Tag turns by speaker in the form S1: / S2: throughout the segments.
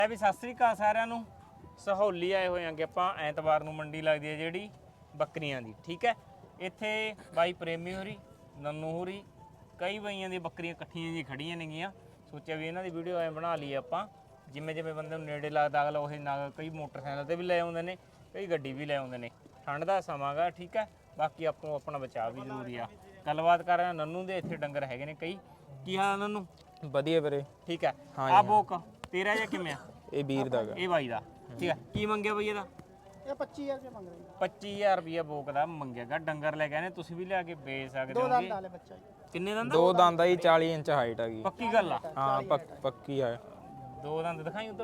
S1: ਵੀ ਸਤਿ ਸ੍ਰੀ ਅਕਾਲ ਸਾਰਿਆਂ ਨੂੰ। ਸਹੌਲੀ ਆਏ ਹੋਏ ਆਂਗੇ ਆਪਾਂ। ਐਤਵਾਰ ਨੂੰ ਮੰਡੀ ਲੱਗਦੀ ਹੈ ਜਿਹੜੀ ਬੱਕਰੀਆਂ ਦੀ, ਠੀਕ ਹੈ। ਇੱਥੇ ਬਾਈ ਪ੍ਰੇਮੀ ਹੋਰੀ, ਨੰਨੂ ਹੋਰੀ, ਕਈ ਬਾਈਆਂ ਦੀਆਂ ਬੱਕਰੀਆਂ ਇਕੱਠੀਆਂ ਜੀ ਖੜੀਆਂ ਨੇਗੀਆਂ। ਸੋਚਿਆ ਵੀ ਇਹਨਾਂ ਦੀ ਵੀਡੀਓ ਐ ਬਣਾ ਲਈਏ ਆਪਾਂ, ਜਿਵੇਂ ਜਿਵੇਂ ਬੰਦੇ ਨੂੰ ਨੇੜੇ ਲੱਗਦਾ ਅਗਲਾ ਉਹ ਨਾਲ ਕਈ ਮੋਟਰਸਾਈਕਲ ਤੇ ਵੀ ਲੈ ਆਉਂਦੇ ਨੇ, ਕਈ ਗੱਡੀ ਵੀ ਲੈ ਆਉਂਦੇ ਨੇ। ਠੰਡ ਦਾ ਸਮਾਂ ਗਾ, ਠੀਕ ਹੈ। ਬਾਕੀ ਆਪੋ ਆਪਣਾ ਬਚਾਅ ਵੀ ਜ਼ਰੂਰੀ ਆ। ਗੱਲਬਾਤ ਕਰ ਰਿਹਾ ਨੰਨੂ ਦੇ, ਇੱਥੇ ਡੰਗਰ ਹੈਗੇ ਨੇ ਕਈ। ਕੀ ਹਾਲ ਨੰਨੂ?
S2: ਵਧੀਆ ਵੀਰੇ,
S1: ਠੀਕ ਹੈ। ਆ ਬੋਕ ਤੇਰਾ ਜਾਂ ਕਿਵੇਂ ਆ?
S2: ਇਹ ਵੀਰ ਦਾ
S1: ਇਹ ਬਾਈ ਦਾ, ਠੀਕ ਹੈ। ਕੀ ਮੰਗਿਆ ਬਈ ਇਹਦਾ?
S3: ਇਹ 25000 ਰੁਪਏ ਮੰਗ ਰਹੇ
S1: 25000 ਰੁਪਏ ਬੋਕ ਦਾ ਮੰਗਿਆਗਾ। ਡੰਗਰ ਲੈ ਕੇ ਆਨੇ, ਤੁਸੀਂ ਵੀ ਲਿਆ ਕੇ ਵੇਚ ਸਕਦੇ
S3: ਦੋ
S1: ਹੋ।
S3: ਦੰਦ ਵਾਲੇ ਬੱਚਾ ਜੀ।
S1: ਕਿੰਨੇ ਦੰਦ?
S2: ਦੋ ਦੰਦ ਆ ਜੀ, 40 ਇੰਚ ਹਾਈਟ ਆ ਗਈ।
S1: ਪੱਕੀ ਗੱਲ ਆ?
S2: ਹਾਂ ਪੱਕੀ ਆ।
S1: ਦੋ ਦੰਦ ਦਿਖਾਈ ਉਧਰ।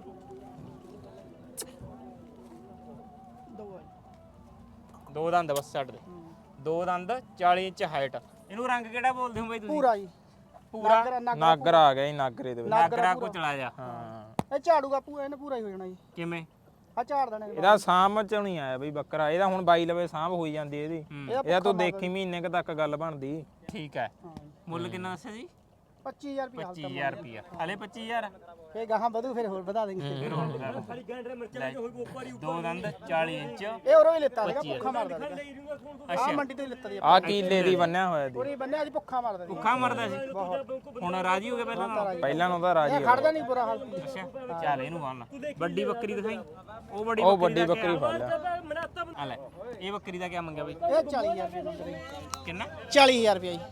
S1: ਦੋ ਦੰਦ ਬਸ ਛੱਡ ਦੇ। ਦੋ ਦੰਦ 40 ਇੰਚ ਹਾਈਟ। ਇਹਨੂੰ ਰੰਗ ਕਿਹੜਾ ਬੋਲਦੇ ਹੋ ਬਾਈ ਤੁਸੀਂ?
S3: ਪੂਰਾ ਜੀ,
S1: ਪੂਰਾ
S2: ਨਾਗਰ ਆ ਗਿਆ ਜੀ, ਨਾਗਰੇ ਦੇ ਵਿੱਚ।
S1: ਨਾਗਰਾ ਕੋ ਚਲਾ ਜਾ।
S2: ਹਾਂ
S3: ਇਹ ਝਾੜੂਗਾ ਪੂਰਾ, ਇਹਨੇ ਪੂਰਾ ਹੀ ਹੋ ਜਾਣਾ ਜੀ।
S1: ਕਿਵੇਂ?
S3: ਆ ਝਾੜ ਦੇਣਾ
S2: ਇਹਦਾ ਸਾਂਭ ਚ ਨਹੀਂ ਆਇਆ ਬਈ ਬੱਕਰਾ। ਇਹਦਾ ਹੁਣ ਬਾਈ ਲਵੇ ਸਾਂਭ ਹੋਈ ਜਾਂਦੀ ਇਹਦੀ। ਇਹਦਾ ਤੂੰ ਦੇਖੀ ਮਹੀਨੇ ਕ ਤੱਕ ਗੱਲ ਬਣਦੀ।
S1: ਠੀਕ ਹੈ। ਮੁੱਲ ਕਿੰਨਾ ਦੱਸਿਆ ਜੀ?
S3: 25000 ਰੁਪਏ।
S1: 25000 ਰੁਪਏ। ਹਲੇ 25000?
S3: ਫੇ ਗਾਹਾਂ ਵਧੂ, ਫਿਰ ਹੋਰ ਵਧਾ ਦੇਂਗੇ।
S1: ਫਿਰ ਹੋਰ ਵਧਾ ਦੋ। ਦੋ ਦੰਦ 40 ਇੰਚ।
S3: ਇਹ ਉਰੋਂ ਹੀ ਲਿੱਤਾ ਸੀਗਾ, ਭੁੱਖਾ ਮਾਰਦਾ ਸੀਗਾ। ਆ ਮੰਡੀ ਤੋਂ ਹੀ ਲਿੱਤਾ ਦੀ
S2: ਆ ਕੀਲੇ ਦੀ ਬੰਨਿਆ ਹੋਇਆ ਦੀ।
S3: ਪੂਰੀ ਬੰਨੇ ਅੱਜ ਭੁੱਖਾ ਮਾਰਦਾ ਸੀ।
S1: ਭੁੱਖਾ ਮਰਦਾ ਸੀ, ਹੁਣ ਰਾਜੀ ਹੋ ਗਿਆ ਪਹਿਲਾਂ ਨਾਲ?
S2: ਪਹਿਲਾਂ ਨੂੰ ਤਾਂ ਰਾਜੀ
S3: ਇਹ ਖੜਦਾ ਨਹੀਂ ਬੁਰਾ ਹਾਲ ਸੀ।
S1: ਅੱਛਾ ਚੱਲ ਇਹਨੂੰ ਬੰਨ। ਵੱਡੀ ਬੱਕਰੀ ਦਿਖਾਈ। ਉਹ
S2: ਵੱਡੀ ਬੱਕਰੀ ਫੜ ਲਿਆ।
S1: ਆ ਲੈ, ਇਹ ਬੱਕਰੀ ਦਾ ਕੀ ਮੰਗਿਆ ਬਈ?
S3: ਇਹ 40000 ਰੁਪਏ ਮੰਗ ਰਹੇ।
S1: ਕਿੰਨਾ?
S3: 40000 ਰੁਪਏ ਜੀ।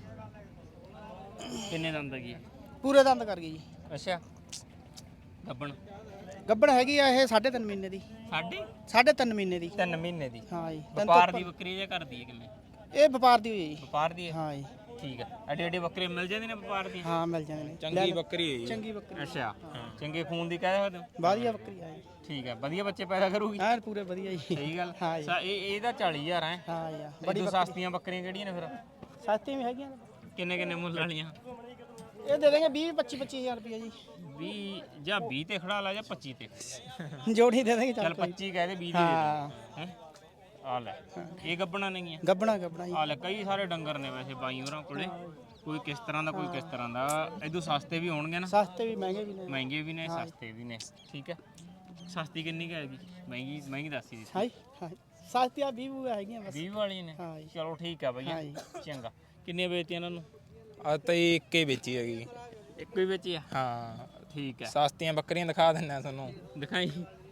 S1: ਕਿੰਨੇ ਦੰਦ ਹੈਗੀ?
S3: ਪੂਰੇ ਦੰਦ ਕਰ ਗਈ ਜੀ।
S1: ਅੱਛਾ। ਗੱਬਣ
S3: ਗੱਬੜ ਹੈਗੀ ਆ ਇਹ 3.5 ਮਹੀਨੇ ਦੀ। 3.5 ਮਹੀਨੇ ਦੀ।
S1: 3 ਮਹੀਨੇ ਦੀ।
S3: ਹਾਂ ਜੀ।
S1: ਵਪਾਰ ਦੀ ਬੱਕਰੀ ਜਾਂ ਕਰਦੀ ਹੈ ਕਿਵੇਂ?
S3: ਇਹ ਵਪਾਰ ਦੀ ਹੋਈ ਜੀ।
S1: ਵਪਾਰ ਦੀ ਹੈ?
S3: ਹਾਂ ਜੀ।
S1: ਠੀਕ ਹੈ। ਐਡੇ ਐਡੇ ਬੱਕਰੇ ਮਿਲ ਜਾਂਦੇ ਨੇ ਵਪਾਰ ਦੀ?
S3: ਹਾਂ ਮਿਲ ਜਾਂਦੇ ਨੇ।
S2: ਚੰਗੀ ਬੱਕਰੀ ਹੈ ਜੀ।
S3: ਚੰਗੀ ਬੱਕਰੀ।
S1: ਅੱਛਾ। ਚੰਗੇ ਖੂਨ ਦੀ ਕਹਿ ਸਕਦੇ ਹੋ?
S3: ਵਧੀਆ ਬੱਕਰੀ ਆ ਜੀ।
S1: ਠੀਕ ਹੈ। ਵਧੀਆ ਬੱਚੇ ਪੈਦਾ ਕਰੂਗੀ?
S3: ਹਾਂ ਪੂਰੇ ਵਧੀਆ ਜੀ।
S1: ਸਹੀ ਗੱਲ।
S3: ਹਾਂ ਜੀ।
S1: ਇਹਦਾ 40000 ਹੈ।
S3: ਹਾਂ ਯਾਰ
S1: ਬੜੀ ਸਸਤੀਆਂ ਬੱਕਰੀਆਂ ਕਿਹੜੀਆਂ ਨੇ ਫਿਰ?
S3: ਸਸਤੀ ਵੀ ਹੈਗੀਆਂ ਨੇ।
S1: ਕਿੰਨੇ ਕਿੰਨੇ ਮੁੱਲ ਵਾਲੀਆਂ?
S3: ਇਹ ਦੇ ਦੇਂਗੇ 20-25-25000 ਰੁਪਏ ਜੀ।
S1: 20 ਜਾਂ 20 ਤੇ ਖੜਾ ਲਾ ਜਾਂ 25 ਤੇ?
S3: ਜੋੜੀ ਦੇ ਦੇਂਗੇ।
S1: ਚੱਲ 25 ਕਹਿ ਦੇ, 20 ਦੇ
S3: ਹਾਂ
S1: ਦੇ। ਆ ਲੈ, ਇਹ ਗੱਬਣਾ ਨਹੀਂ?
S3: ਗੱਬਣਾ ਜੀ।
S1: ਆ ਲੈ, ਕਈ ਸਾਰੇ ਡੰਗਰ ਨੇ ਵੈਸੇ ਬਾਈ ਹੋਰਾਂ ਕੋਲੇ। ਕੋਈ ਕਿਸ ਤਰ੍ਹਾਂ ਦਾ, ਕੋਈ ਕਿਸ ਤਰ੍ਹਾਂ ਦਾ। ਇਦੋਂ ਸਸਤੇ ਵੀ ਹੋਣਗੇ ਨਾ?
S3: ਸਸਤੇ ਵੀ ਮਹਿੰਗੇ ਵੀ ਨੇ।
S1: ਮਹਿੰਗੇ ਵੀ ਨੇ, ਸਸਤੇ ਵੀ ਨੇ। ਠੀਕ ਹੈ। ਸਸਤੀ ਕਿੰਨੀ ਕੁ ਹੈਗੀ? ਮਹਿੰਗੀ ਦੱਸੀ ਦੀ।
S3: ਹਾਂ ਹਾਂ ਸਸਤੀ ਆ 20 ਹੈਗੀਆਂ ਬਸ।
S1: 20 ਵਾਲੀਆਂ ਨੇ?
S3: ਹਾਂ ਜੀ।
S1: ਚਲੋ ਠੀਕ ਆ ਬਈਆ। ਚੰਗਾ। ਕਿੰਨੀਆਂ ਵੇਚਤੀਆਂ ਇਹਨਾਂ ਨੂੰ?
S2: ਆ ਤਾਂ ਇੱਕੇ ਵੇਚੀ ਹੈਗੀ।
S1: ਇੱਕੋ ਹੀ ਵੇਚੀ ਆ?
S2: ਹਾਂ
S1: ਠੀਕ ਹੈ।
S2: ਸਸਤੀਆਂ ਬੱਕਰੀਆਂ ਦਿਖਾ ਦਿੰਨਾ ਤੁਹਾਨੂੰ।
S1: ਦਿਖਾਈ।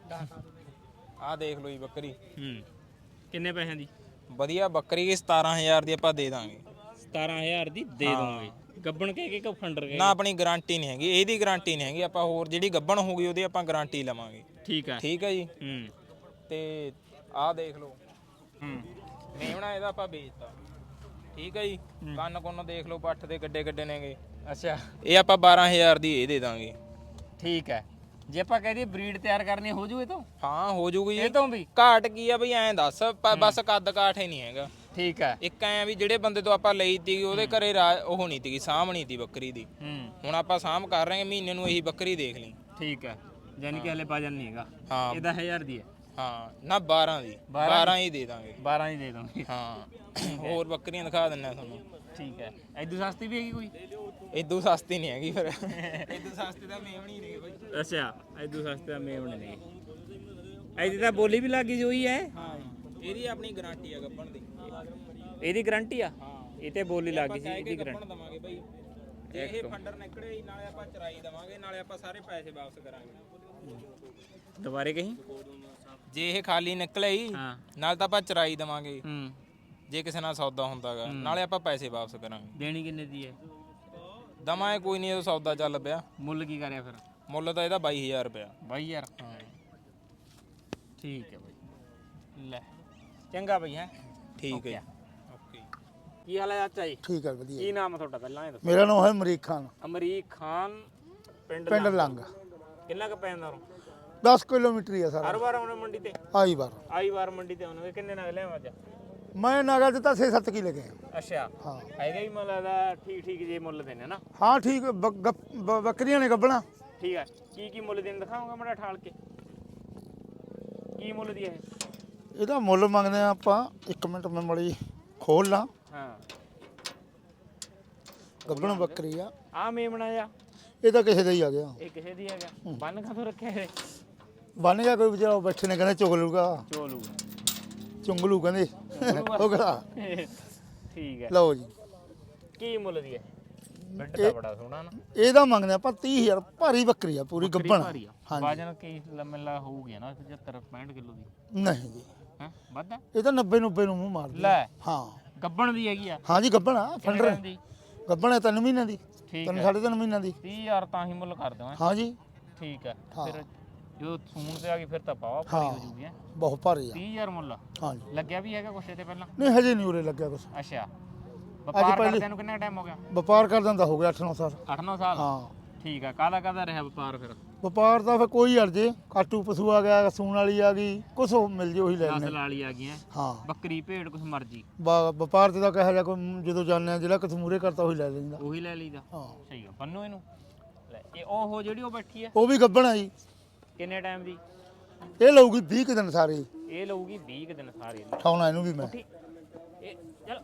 S2: ਆਹ ਦੇਖ ਲਓ ਜੀ ਬੱਕਰੀ।
S1: ਕਿੰਨੇ ਪੈਸਿਆਂ ਦੀ?
S2: ਵਧੀਆ ਬੱਕਰੀ 17000 ਦੀ ਆਪਾਂ ਦੇ ਦਾਂਗੇ।
S1: 17000 ਦੀ ਦੇ ਦੋਗੇ? ਗੱਬਣ ਕੇ ਕਿ ਫੰਡਰ ਕੇ?
S2: ਨਾ ਆਪਣੀ ਗਾਰੰਟੀ ਨਹੀਂ ਹੈਗੀ, ਇਹਦੀ ਗਾਰੰਟੀ ਨਹੀਂ ਹੈਗੀ। ਆਪਾਂ ਹੋਰ ਜਿਹੜੀ ਗੱਬਣ ਹੋਊਗੀ ਉਹਦੀ ਆਪਾਂ ਗਾਰੰਟੀ ਲਵਾਂਗੇ।
S1: ਠੀਕ ਹੈ।
S2: ਠੀਕ ਹੈ ਜੀ। ਤੇ ਆਹ ਦੇਖ ਲਓ। ਮੇਵਣਾ ਇਹਦਾ ਆਪਾਂ ਵੇਚਤਾ। ਠੀਕ ਹੈ ਜੀ। ਕੰਨ ਕੁੰਨ ਦੇਖ ਲਓ, ਪੱਠ ਦੇ ਗੱਡੇ ਗੱਡੇ ਨੇਗੇ।
S1: ਅੱਛਾ।
S2: ਇਹ ਆਪਾਂ 12000 ਦੀ ਇਹ ਦੇ ਦਾਂਗੇ।
S1: ਠੀਕ ਹੈ। ਜੇ ਆਪਾਂ ਕਹਦੇ ਬਰੀਡ ਤਿਆਰ ਕਰਨੀ ਹੋ ਜੂ ਇਹ ਤੋਂ?
S2: ਹਾਂ ਹੋ ਜੂਗੀ।
S1: ਇਹ ਤੋਂ ਵੀ
S2: ਘਾਟ ਕੀ ਆ ਬਈ ਐਂ ਦੱਸ, ਬਸ ਕੱਦ ਕਾਠ ਹੀ ਨਹੀਂ ਹੈਗਾ।
S1: ਠੀਕ ਹੈ।
S2: ਇੱਕ ਐ ਵੀ ਜਿਹੜੇ ਬੰਦੇ ਤੋਂ ਆਪਾਂ ਲਈ ਤੀ ਉਹਦੇ ਘਰੇ ਉਹ ਨਹੀਂ ਤੀ, ਸਾਂਭ ਨਹੀਂ ਤੀ ਬੱਕਰੀ ਦੀ। ਹੁਣ ਆਪਾਂ ਸਾਂਭ ਕਰ ਰਹੇ ਹਾਂ, ਮਹੀਨੇ ਨੂੰ ਇਹੀ ਬੱਕਰੀ ਦੇਖ ਲਈ।
S1: ਠੀਕ ਹੈ। ਯਾਨੀ ਕਿ ਹਲੇ ਵਜਨ ਨਹੀਂ ਹੈਗਾ।
S2: ਹਾਂ।
S1: ਇਹ 10000 ਦੀ ਹੈ?
S2: ਹਾਂ ਨਾ 12 ਦੀ। 12 ਹੀ ਦੇ ਦਾਂਗੇ।
S1: 12 ਹੀ ਦੇ ਦੋਗੇ?
S2: ਹਾਂ। ਹੋਰ ਬੱਕਰੀਆਂ ਦਿਖਾ ਦਿੰਨਾ ਤੁਹਾਨੂੰ।
S1: ਠੀਕ ਹੈ। ਇਦੋਂ ਸਸਤੀ ਵੀ ਹੈਗੀ ਕੋਈ?
S2: ਇਦੋਂ ਸਸਤੀ ਨਹੀਂ ਹੈਗੀ ਫਿਰ। ਇਦੋਂ ਸਸਤੀ ਤਾਂ ਮੇਵਣੀ ਨਹੀਂ ਬਈ।
S1: ਅੱਛਾ। ਇਦੋਂ ਸਸਤੀ ਤਾਂ ਮੇਵਣੇ ਨੇ। ਇਹਦੀ ਤਾਂ ਬੋਲੀ ਵੀ ਲੱਗ ਗਈ ਜੋਈ ਹੈ?
S2: ਹਾਂ ਇਹਦੀ ਆਪਣੀ ਗਾਰੰਟੀ ਆ ਗੱਬਣ ਦੀ।
S1: ਇਹਦੀ ਗਾਰੰਟੀ ਆ?
S2: ਹਾਂ
S1: ਇਹ ਤੇ ਬੋਲੀ ਲੱਗ ਗਈ ਸੀ, ਇਹਦੀ
S2: ਗੱਬਣ
S1: ਗਾਰੰਟੀ
S2: ਦਵਾਂਗੇ ਬਈ। ਜੇ ਇਹ ਫੰਡਰ ਨਿਕਲੇ ਨਾਲੇ ਆਪਾਂ ਚਰਾਈ ਦਵਾਂਗੇ, ਨਾਲੇ ਆਪਾਂ ਸਾਰੇ ਪੈਸੇ ਵਾਪਸ ਕਰਾਂਗੇ।
S1: ਦੁਬਾਰੇ ਕਹੀਂ?
S2: ਜੇ ਇਹ ਖਾਲੀ ਨਿਕਲੇ ਹੀ ਨਾਲ ਤਾਂ ਆਪਾਂ ਚਰਾਈ ਦਵਾਂਗੇ। ਜੇ ਕਿਸੇ ਨਾਲ ਸੌਦਾ ਹੁੰਦਾਗਾ ਨਾਲੇ ਆਪਾਂ ਪੈਸੇ ਵਾਪਸ ਕਰਾਂਗੇ।
S1: ਦੇਣੀ ਕਿੰਨੇ ਦੀ ਹੈ?
S2: ਦਮਾਂ ਕੋਈ ਨਹੀਂ, ਇਹ ਸੌਦਾ ਚੱਲ ਪਿਆ।
S1: ਮੁੱਲ ਕੀ ਕਰਿਆ ਫਿਰ?
S2: ਮੁੱਲ ਤਾਂ ਇਹਦਾ 22000 ਰੁਪਇਆ।
S1: 22000? ਹਾਂ ਠੀਕ ਹੈ ਬਾਈ। ਲੈ ਚੰਗਾ ਬਈ। ਹੈ
S2: ਠੀਕ ਹੈ। ਓਕੇ।
S1: ਕੀ ਹਾਲ ਹੈ ਚਾਚਾ ਜੀ?
S3: ਠੀਕ ਹੈ ਵਧੀਆ।
S1: ਕੀ ਨਾਮ ਹੈ ਤੁਹਾਡਾ ਪਹਿਲਾਂ ਇਹ ਦੱਸੋ?
S3: ਮੇਰਾ ਨਾਮ ਹੈ ਅਮਰੀਕ ਖਾਨ।
S1: ਅਮਰੀਕ ਖਾਨ। ਪਿੰਡ
S3: ਲੰਗ।
S1: ਕਿੰਨਾ ਕੁ ਪੈਂਦਾ ਉਰੋਂ?
S3: 10 ਕਿਲੋਮੀਟਰ ਹੀ ਆ ਸਾਰਾ।
S1: ਹਰ ਵਾਰ ਆਉਣੇ ਮੰਡੀ ਤੇ?
S3: ਆਈ
S1: ਵਾਰ ਮੰਡੀ ਤੇ ਆਉਣਗੇ। ਕਿੰਨੇ ਨਗ ਲਿਆਵਾਂ ਅੱਜ?
S3: ਮੈਂ ਨਾਗਾ ਦਿੱਤਾ 6-7 ਕਿਲੇ ਗਏ।
S1: ਅੱਛਾ।
S3: ਹਾਂ
S1: ਹੈਗਾ ਹੀ ਮੁੱਲ ਦਾ ਠੀਕ ਜੇ ਮੁੱਲ ਦੇਣੇ ਨਾ?
S3: ਹਾਂ ਠੀਕ। ਬੱਕਰੀਆਂ ਨੇ ਗੱਬਣਾ।
S1: ਠੀਕ ਹੈ। ਕੀ ਮੁੱਲ ਦੇਣ ਦਿਖਾਉਂਗਾ ਮੜਾ ਠਾਲ ਕੇ? ਕੀ ਮੁੱਲ ਦੀ ਹੈ
S3: ਇਹਦਾ ਮੁੱਲ ਮੰਗਦੇ ਆ ਆਪਾਂ। 1 ਮਿੰਟ ਮੈਂ ਮੜੀ ਖੋਲ ਲਾਂ।
S1: ਹਾਂ।
S3: ਗੱਬਣ ਬੱਕਰੀ ਆ।
S1: ਆ ਮੇਮਣਾ ਜਾ?
S3: ਇਹ ਤਾਂ ਕਿਸੇ ਦਾ ਹੀ ਆ ਗਿਆ।
S1: ਇਹ ਕਿਸੇ ਦੀ ਹੈਗਾ? ਬੰਨ ਕਾਹਤੋਂ ਰੱਖਿਆ ਇਹ?
S3: ਬਣ ਗਿਆ ਕੋਈ ਵਿਚਾਰਾ ਬੈਠੇ ਨੇ ਕਹਿੰਦੇ ਚੁਗ ਲੂਗਾ
S1: ਚੋਲੂ
S3: ਚੁੰਗਲੂ ਕਹਿੰਦੇ ਉਹ ਕਿਹੜਾ
S1: ਠੀਕ ਹੈ
S3: ਲਓ ਜੀ
S1: ਕੀ ਮੁੱਲ ਦੀ ਹੈ ਬੈੱਡ ਤਾਂ ਬੜਾ ਸੋਹਣਾ ਨਾ
S3: ਇਹਦਾ ਮੰਗਦੇ ਆਪਾਂ 30000 ਭਾਰੀ ਬੱਕਰੀ ਆ ਪੂਰੀ ਗੱਬਣ
S1: ਭਾਰੀ ਆ
S3: ਹਾਂਜੀ
S1: ਵਜਨ ਕੀ ਲੰਮਾ ਹੋਊਗੀ ਨਾ 75 65 ਕਿਲੋ ਦੀ
S3: ਨਹੀਂ ਜੀ
S1: ਹੈ ਵੱਧ
S3: ਇਹ ਤਾਂ 90 90 ਨੂੰ ਮੂੰਹ ਮਾਰਦੀ
S1: ਲੈ
S3: ਹਾਂ
S1: ਗੱਬਣ ਦੀ ਹੈਗੀ ਆ
S3: ਹਾਂ ਜੀ ਗੱਬਣ ਆ
S1: ਕਿੰਨੇ
S3: ਫੰਡਰ
S1: ਟਾਈਮ ਦੀ
S3: ਗੱਬਣ ਹੈ 3 ਮਹੀਨਿਆਂ ਦੀ
S1: ਠੀਕ
S3: 3
S1: ਹੈ
S3: 3.5 ਮਹੀਨਿਆਂ ਦੀ
S1: 30000 ਤਾਂ ਹੀ ਮੁੱਲ ਕਰ ਦਵਾਂ
S3: ਹਾਂ ਜੀ
S1: ਠੀਕ ਹੈ
S3: ਹਾਂ।
S1: ਫਿਰ ਜਦੋਂ ਸੂਣ ਤੇ ਆ ਗਈ ਫਿਰ ਤਾਂ ਪਾਵਾ
S3: ਹਾਂ
S1: ਭਾਰੀ ਹੋ ਜੂਗੀ ਹੈਂ।
S3: ਬਹੁਤ ਭਾਰੀ ਆ
S1: 30000 ਮੁੱਲ
S3: ਹਾਂ ਜੀ
S1: ਲੱਗਿਆ ਵੀ ਹੈਗਾ ਕੁਛ ਇਹਦੇ ਪਹਿਲਾਂ
S3: ਨਹੀਂ ਹਜੇ ਨਹੀਂ ਉਰੇ ਲੱਗਿਆ ਕੁਛ
S1: ਅੱਛਾ ਵਪਾਰ
S3: ਪਹਿਲੀ-
S1: ਕਰਦਿਆਂ ਨੂੰ ਕਿੰਨਾ ਟਾਈਮ ਹੋ ਗਿਆ
S3: ਵਪਾਰ ਕਰ ਦਿੰਦਾ ਹੋ ਗਿਆ 8-9 ਸਾਲ
S1: 8-9 ਸਾਲ
S3: ਹਾਂ
S1: ਠੀਕ ਆ ਕਾਹਦਾ ਰਿਹਾ ਵਪਾਰ ਫਿਰ
S3: ਵਪਾਰ ਦਾ ਫਿਰ ਕੋਈ ਅਰਜੇ ਕਾਟੂ ਪਸ਼ੂ ਆ ਗਿਆ ਸੂਣ ਵਾਲੀ ਆ ਗਈ ਕੁਛ ਉਹ ਮਿਲ ਜੇ ਉਹੀ ਲੈ ਲੈਣੇ
S1: ਨਸਲ ਵਾਲੀ ਆ ਗਈਆਂ
S3: ਹਾਂ
S1: ਬੱਕਰੀ ਭੇਡ ਕੁਛ ਮਰਜੀ
S3: ਵਪਾਰ ਤੇ ਤਾਂ ਕਿਹਾ ਜਾ ਕੋਈ ਜਦੋਂ ਜਾਂਦੇ ਆ ਜਿਹੜਾ ਕਿਸ ਮੂਰੇ ਕਰਤਾ ਉਹੀ ਲੈ ਲੈਂਦਾ
S1: ਉਹੀ ਲੈ ਲਈਦਾ
S3: ਹਾਂ
S1: ਸਹੀ ਆ ਬੰਨੋ ਇਹਨੂੰ ਲੈ ਇਹ ਉਹ ਜਿਹੜੀ ਉਹ ਬੈਠੀ ਆ
S3: ਉਹ ਵੀ ਗੱਬਣ ਆ ਜੀ
S1: ਕਿੰਨੇ ਟਾਈਮ ਦੀ
S3: ਇਹ ਲਊਗੀ 20 ਕੁ ਦਿਨ ਸਾਰੇ
S1: ਇਹ ਲਊਗੀ 20 ਕੁ ਦਿਨ ਸਾਰੇ
S3: ਠਾਉਣਾ ਇਹਨੂੰ ਵੀ ਮੈਂ
S1: ਠੀਕ ਇਹ ਚਲ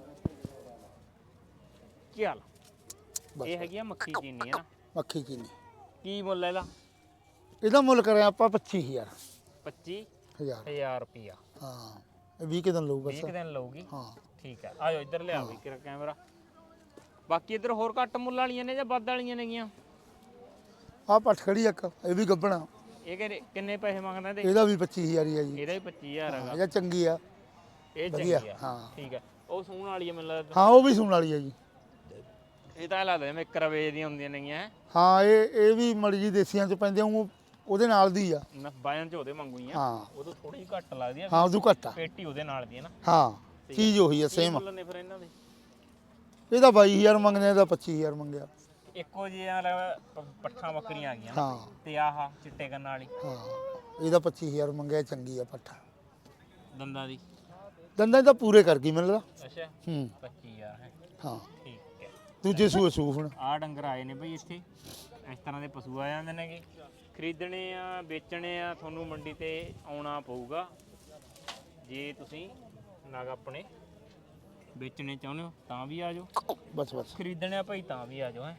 S1: ਚੱਲ ਇਹ ਹੈਗੀ ਆ ਮੱਖੀ ਚੀਨੀ ਹੈ ਨਾ
S3: ਮੱਖੀ ਚੀਨੀ
S1: ਕੀ ਮੁੱਲ ਹੈ ਇਹਦਾ
S3: ਇਹਦਾ ਮੁੱਲ ਕਰਿਆ ਆਪਾਂ 25000
S1: 25000 ਰੁਪਿਆ
S3: ਹਾਂ ਇਹ 20 ਕੁ ਦਿਨ ਲਊ
S1: 20
S3: ਬਸ
S1: ਕੁ ਦਿਨ ਲਊਗੀ
S3: ਹਾਂ
S1: ਠੀਕ ਹੈ ਆਜੋ ਇੱਧਰ ਲਿਆ ਵੀ ਕਿਰਾ ਕੈਮਰਾ ਬਾਕੀ ਇੱਧਰ ਹੋਰ ਘੱਟ ਮੁੱਲ ਵਾਲੀਆਂ ਨੇ ਜਾਂ ਵੱਧ ਵਾਲੀਆਂ ਨੇਗੀਆਂ
S3: ਆਹ ਪੱਠ ਖੜੀ ਇੱਕ ਇਹ ਵੀ ਗੱਬਣਾ
S1: ਇਹ ਕਿੰਨੇ ਪੈਸੇ ਮੰਗਦਾ ਇਹਦੇ
S3: ਇਹਦਾ ਵੀ 25000 ਹੀ ਆ ਜੀ
S1: ਇਹਦਾ ਵੀ 25000 ਹੈਗਾ
S3: ਇਹ ਚੰਗੀ ਆ
S1: ਇਹ
S3: ਵਧੀਆ,
S1: ਚੰਗੀ ਆ
S3: ਹਾਂ।
S1: ਠੀਕ ਹੈ ਉਹ ਸੂਣ ਵਾਲੀ ਹੈ ਮੈਨੂੰ ਲੱਗਦਾ
S3: ਹਾਂ ਉਹ ਵੀ ਸੂਣ ਵਾਲੀ ਆ ਜੀ
S1: ਇਹ ਤਾਂ ਐਂ ਲੱਗਦਾ ਜਿਵੇਂ 1 ਰੁਪਏ ਦੀਆਂ ਹੁੰਦੀਆਂ ਨੇਗੀਆਂ
S3: ਹਾਂ ਇਹ ਵੀ ਮੜੀ ਜੀ ਦੇਸੀਆਂ ਚ ਪੈਂਦੇ ਉਹਦੇ ਨਾਲ ਦੀ ਆ
S1: ਨਾ ਬਾਇਨ ਚ ਉਹਦੇ ਮੰਗੂਈਆਂ
S3: ਹਾਂ
S1: ਉਹ ਤੋਂ ਥੋੜੀ ਘੱਟ ਲੱਗਦੀ ਆ
S3: ਹਾਂ ਉਦੋਂ ਘੱਟ ਆ
S1: ਪੇਟੀ ਉਹਦੇ ਨਾਲ ਦੀ ਹੈ ਨਾ
S3: ਹਾਂ ਚੀਜ਼ ਉਹੀ ਆ
S1: ਕੀ
S3: ਸੇਮ
S1: ਮੁੱਲ ਨੇ ਫਿਰ ਇਹਨਾਂ ਦੇ
S3: ਇਹਦਾ 22000 ਮੰਗਦੇ ਆ, ਇਹਦਾ 25000 ਮੰਗਿਆ
S1: ਇੱਕੋ ਜਿਹੀਆਂ ਪੱਠਾਂ ਬੱਕਰੀਆਂ ਆ ਗਈਆਂ ਨਾ
S3: ਹਾਂ
S1: ਤੇ ਆਹ ਚਿੱਟੇ ਕੰਨਾਂ ਵਾਲੀ
S3: ਹਾਂ ਇਹਦਾ 25000 ਮੰਗਿਆ ਚੰਗੀ ਆ ਪੱਠਾ
S1: ਦੰਦਾਂ ਦੀ
S3: ਦੰਦਾਂ ਤਾਂ ਪੂਰੇ ਕਰ ਗਈ ਮੈਨੂੰ ਲੱਗਦਾ
S1: ਅੱਛਾ
S3: ਹੂੰ
S1: 25000 ਹੈ
S3: ਹਾਂ
S1: ਠੀਕ ਹੈ
S3: ਦੂਜੇ ਸੂਏ ਸੂਫਣ
S1: ਆਹ ਡੰਗਰ ਆਏ ਨੇ ਬਈ ਇੱਥੇ ਇਸ ਤਰ੍ਹਾਂ ਦੇ ਪਸ਼ੂ ਆ ਜਾਂਦੇ ਨੇਗੇ ਖਰੀਦਣੇ ਆ ਵੇਚਣੇ ਆ ਤੁਹਾਨੂੰ ਮੰਡੀ ਤੇ ਆਉਣਾ ਪਊਗਾ ਜੇ ਤੁਸੀਂ ਨਗ ਆਪਣੇ ਵੇਚਣੇ ਚਾਹੁੰਦੇ ਹੋ ਤਾਂ ਵੀ ਆ ਜਾਓ
S3: ਬਸ ਬਸ
S1: ਖਰੀਦਣੇ ਆ ਭਾਈ ਤਾਂ ਵੀ ਆ ਜਾਓ ਹੈ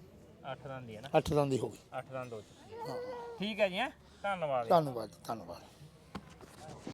S1: 8 ਦੰਦ ਦੀ ਹੈ ਨਾ
S3: 8 ਦੰਦ ਦੀ ਹੋ ਗਈ
S1: 8 ਦੰਦ ਹੋ ਚੁੱਕੀ ਹੈ
S3: ਹਾਂ
S1: ਠੀਕ ਹੈ ਜੀ ਹੈਂ ਧੰਨਵਾਦ
S3: ਧੰਨਵਾਦ ਧੰਨਵਾਦ